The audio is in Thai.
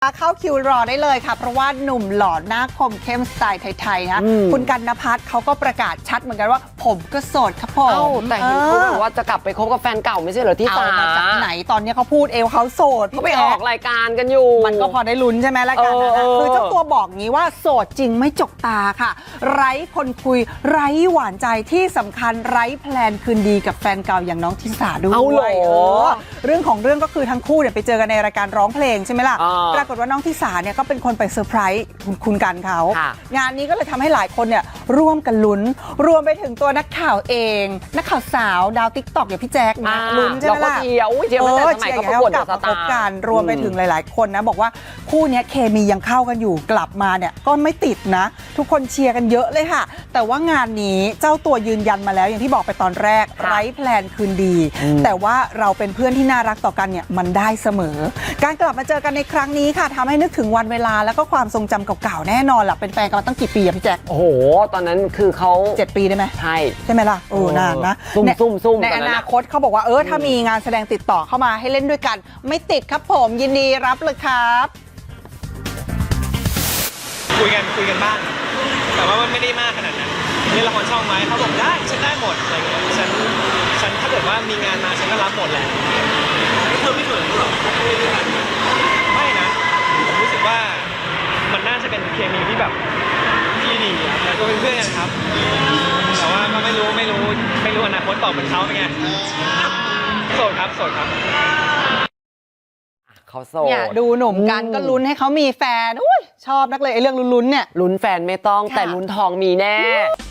เข้าคิวรอได้เลยค่ะเพราะว่าหนุ่มหล่อหน้าคมเข้มสไตล์ไทยๆนะคุณกันณภัทรเขาก็ประกาศชัดเหมือนกันว่าผมก็โสดครับผมแต่เห็นเขาบอกว่าจะกลับไปคบกับแฟนเก่าไม่ใช่เหรอที่สามาจากไหนตอนนี้เขาพูดเขาโสดเขาไปออกรายการกันอยู่มันก็พอได้ลุ้นใช่ไหมรายการนั้นคือเจ้าตัวบอกงี้ว่าโสดจริงไม่จกตาค่ะไร้คนคุยไร้หวานใจที่สำคัญไร้แพลนคืนดีกับแฟนเก่าอย่างน้องทิสาด้วยเรื่องของเรื่องก็คือทั้งคู่เนี่ยไปเจอกันในรายการร้องเพลงใช่ไหมล่ะปรากฏว่าน้องทิสาเนี่ยก็เป็นคนไปเซอร์ไพรส์คุณกันเขางานนี้ก็เลยทำให้หลายคนเนี่ยร่วมกันลุ้นรวมไปถึงตัวนักข่าวเองนักข่าวสาวดาวติ๊กต็อกอย่างพี่แจ๊คลุ้นใช่ไหมล่ะเชียร์มาแต่สมัยเขาประกวดกลับมาพบกันรวมไปถึงหลายๆคนนะบอกว่าคู่นี้เคมียังเข้ากันอยู่กลับมาเนี่ยก็ไม่ติดนะทุกคนเชียร์กันเยอะเลยค่ะแต่ว่างานนี้เจ้าตัวยืนยันมาแล้วอย่างที่บอกไปตอนแรกไร้แพลนคืนดีแต่ว่าเราเป็นเพื่อนที่น่ารักต่อกันเนี่ยมันได้เสมอการกลับมาเจอกันในครั้งนี้ค่ะทำให้นึกถึงวันเวลาแล้วก็ความทรงจำเก่าๆแน่นอนล่ะเป็นแฟนกันมาตั้งกี่ปีอะพี่แจ๊คโอ้โหตอนนั้นคือเขา 7 ปีได้ไหมใช่ไหมล่ะนานนะซุ่มในอนาคตเขาบอกว่าถ้ามีงานแสดงติดต่อเข้ามาให้เล่นด้วยกันไม่ติดครับผมยินดีรับเลยครับคุยกันบ้างแต่ว่ามันไม่ได้มากขนาดนั้นเล่นละครช่องไหมเขาบอกได้ฉันได้หมดอะไรเงี้ยฉันถ้าเกิดว่ามีงานมาฉันก็รับหมดแหละเธอไม่เขินหรอไม่นะผมรู้สึกว่ามันน่าจะเป็นเคมีที่แบบที่ดีแล้วก็เป็นเพื่อนกันครับแต่ว่าก็ไม่รู้อนาคตต่อเหมือนเขาเป็นไงโสดครับเขาโสดเนี่ยดูหนุ่มกันก็ลุ้นให้เขามีแฟนชอบนักเลยไอ้เรื่องลุ้นๆเนี่ยลุ้นแฟนไม่ต้องแต่ลุ้นทองมีแน่